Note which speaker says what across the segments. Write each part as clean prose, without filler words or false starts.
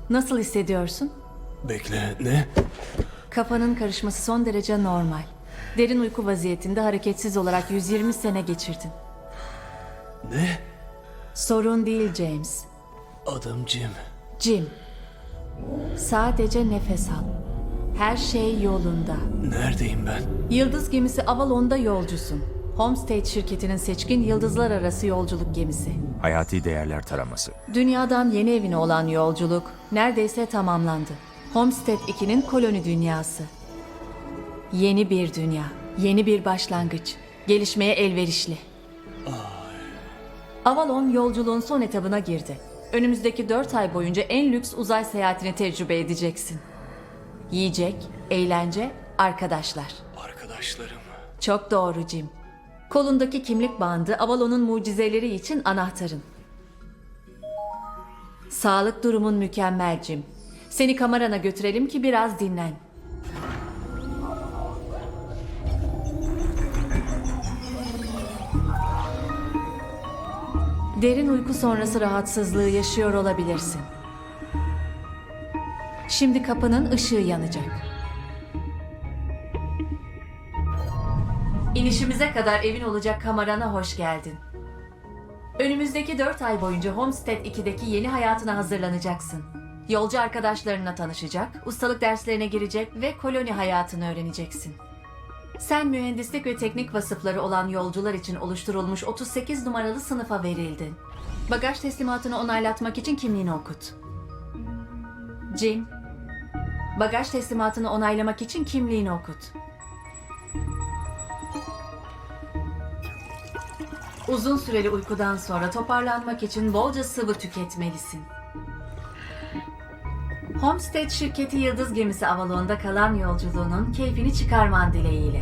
Speaker 1: Nasıl hissediyorsun?
Speaker 2: Bekle, ne?
Speaker 1: Kafanın karışması son derece normal. Derin uyku vaziyetinde hareketsiz olarak 120 sene geçirdin.
Speaker 2: Ne?
Speaker 1: Sorun değil James.
Speaker 2: Adım Jim.
Speaker 1: Jim. Sadece nefes al. Her şey yolunda.
Speaker 2: Neredeyim ben?
Speaker 1: Yıldız gemisi Avalon'da yolcusun. Homestead şirketinin seçkin yıldızlar arası yolculuk gemisi.
Speaker 3: Hayati değerler taraması.
Speaker 1: Dünyadan yeni evine olan yolculuk neredeyse tamamlandı. Homestead 2'nin koloni dünyası. Yeni bir dünya, yeni bir başlangıç. Gelişmeye elverişli. Avalon yolculuğun son etabına girdi. Önümüzdeki 4 ay boyunca en lüks uzay seyahatini tecrübe edeceksin. Yiyecek, eğlence, arkadaşlar.
Speaker 2: Arkadaşlarım.
Speaker 1: Çok doğru Jim. Kolundaki kimlik bandı Avalon'un mucizeleri için anahtarın. Sağlık durumun mükemmel Jim. Seni kamerana götürelim ki biraz dinlen. Derin uyku sonrası rahatsızlığı yaşıyor olabilirsin. Şimdi kapının ışığı yanacak. İnişimize kadar evin olacak kamerana hoş geldin. Önümüzdeki 4 ay boyunca Homestead 2'deki yeni hayatına hazırlanacaksın. Yolcu arkadaşlarınla tanışacak, ustalık derslerine girecek ve koloni hayatını öğreneceksin. Sen mühendislik ve teknik vasıfları olan yolcular için oluşturulmuş 38 numaralı sınıfa verildin. Bagaj teslimatını onaylatmak için kimliğini okut. Jim, bagaj teslimatını onaylamak için kimliğini okut. Uzun süreli uykudan sonra toparlanmak için bolca sıvı tüketmelisin. Homestead şirketi Yıldız Gemisi Avalon'da kalan yolculuğunun keyfini çıkarman dileğiyle.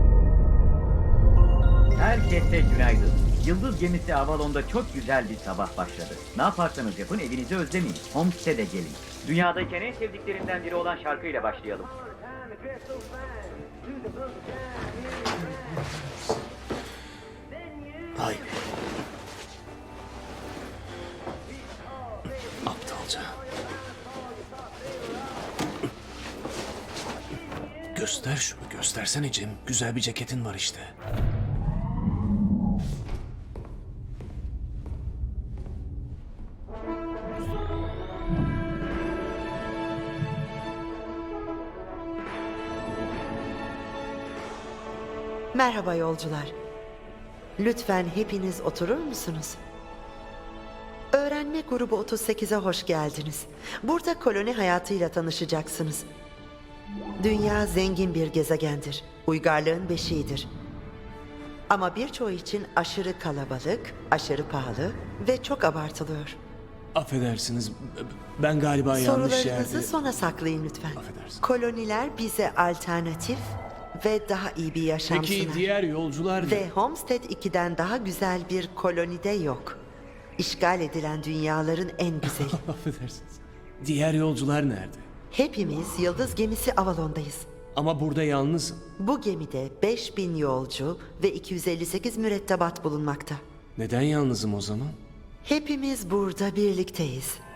Speaker 4: Herkese günaydın. Yıldız gemisi Avalon'da çok güzel bir sabah başladı. Ne yaparsanız yapın evinizi özlemeyin. Homestead'e gelin. Dünyadayken en sevdiklerimden biri olan şarkıyla başlayalım.
Speaker 2: Hayır. Aptalca. Göster şunu, göstersene Jim. Güzel bir ceketin var işte.
Speaker 5: Merhaba yolcular. Lütfen hepiniz oturur musunuz? Öğrenme grubu 38'e hoş geldiniz. Burada koloni hayatıyla tanışacaksınız. Dünya zengin bir gezegendir. Uygarlığın beşiğidir. Ama birçoğu için aşırı kalabalık, aşırı pahalı ve çok abartılıyor.
Speaker 2: Affedersiniz, ben galiba yanlış
Speaker 5: Sorularınızı
Speaker 2: yerde...
Speaker 5: sona saklayın lütfen.
Speaker 2: Affedersin.
Speaker 5: Koloniler bize alternatif ve daha iyi bir yaşam
Speaker 2: Peki
Speaker 5: sunar.
Speaker 2: diğer yolcular ne?
Speaker 5: Ve Homestead 2'den daha güzel bir kolonide yok. İşgal edilen dünyaların en güzeli.
Speaker 2: Affedersiniz. Diğer yolcular nerede?
Speaker 5: Hepimiz Yıldız Gemisi Avalon'dayız.
Speaker 2: Ama burada yalnızım.
Speaker 5: Bu gemide 5000 yolcu ve 258 mürettebat bulunmakta.
Speaker 2: Neden yalnızım o zaman?
Speaker 5: Hepimiz burada birlikteyiz.